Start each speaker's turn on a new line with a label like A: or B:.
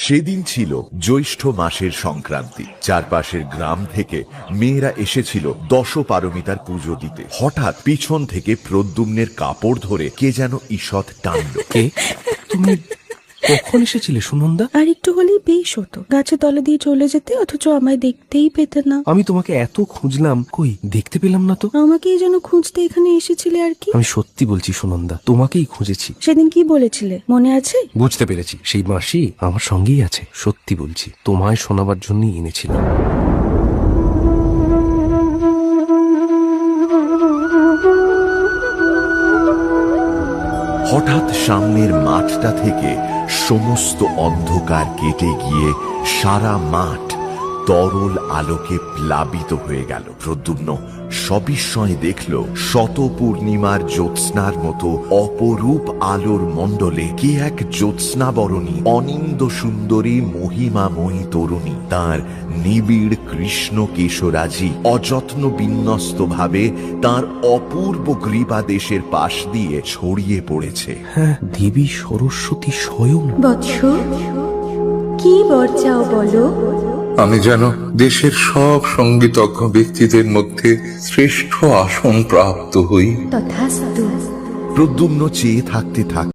A: সেদিন ছিল জ্যৈষ্ঠ মাসের সংক্রান্তি। চারপাশের গ্রাম থেকে মেয়েরা এসেছিল দশপারমিতার পুজো দিতে। হঠাৎ পিছন থেকে প্রদ্যুম্নের কাপড় ধরে কে যেন ঈষৎ টানল।
B: কে? তুমি কখন এসেছিলে সুনন্দা?
C: আর একটু হলেই বেশ হতো, গাছের তলা দিয়ে চলে যেতে, অথচ আমায় দেখতেই পেতে না।
B: আমি তোমাকে এত খুঁজলাম, কই দেখতে পেলাম না তো।
C: আমাকেই যেন খুঁজতে এখানে এসেছিলে আর কি।
B: আমি সত্যি বলছি সুনন্দা, তোমাকেই খুঁজেছি।
C: সেদিন কি বলেছিলে মনে আছে?
B: বুঝতে পেরেছি, সেই মাসি আমার সঙ্গেই আছে। সত্যি বলছি, তোমায় শোনাবার জন্যই এনেছিলাম।
A: হঠাৎ সামনের মাঠটা থেকে সমস্ত অন্ধকার কেটে গিয়ে সারা মাঠ তরল আলোকে প্লাবিত হয়ে গেল। প্রদ্যুম্ন সবিস্ময়ে দেখল শত পূর্ণিমার জ্যোৎস্নার মতো অপরূপ আলোর মণ্ডলে কে এক জ্যোৎস্নাবরণী অনিন্দ সুন্দরী মহিমাময়ী তরুণী তার নিবিড় কৃষ্ণ কেশরাজি অযত্ন বিন্যস্ত ভাবে তার অপূর্ব গ্রীবাদেশের পাশ দিয়ে ছড়িয়ে পড়েছে।
B: হ্যাঁ, দেবী সরস্বতী স্বয়ং।
D: বৎস, কি বর চাও বলো?
E: আমি যেন দেশের সব সঙ্গীতজ্ঞ ব্যক্তিদের মধ্যে শ্রেষ্ঠ আসন প্রাপ্ত হই।
D: তথাস্তু।
A: প্রদ্যুম্ন চেয়ে থাকতে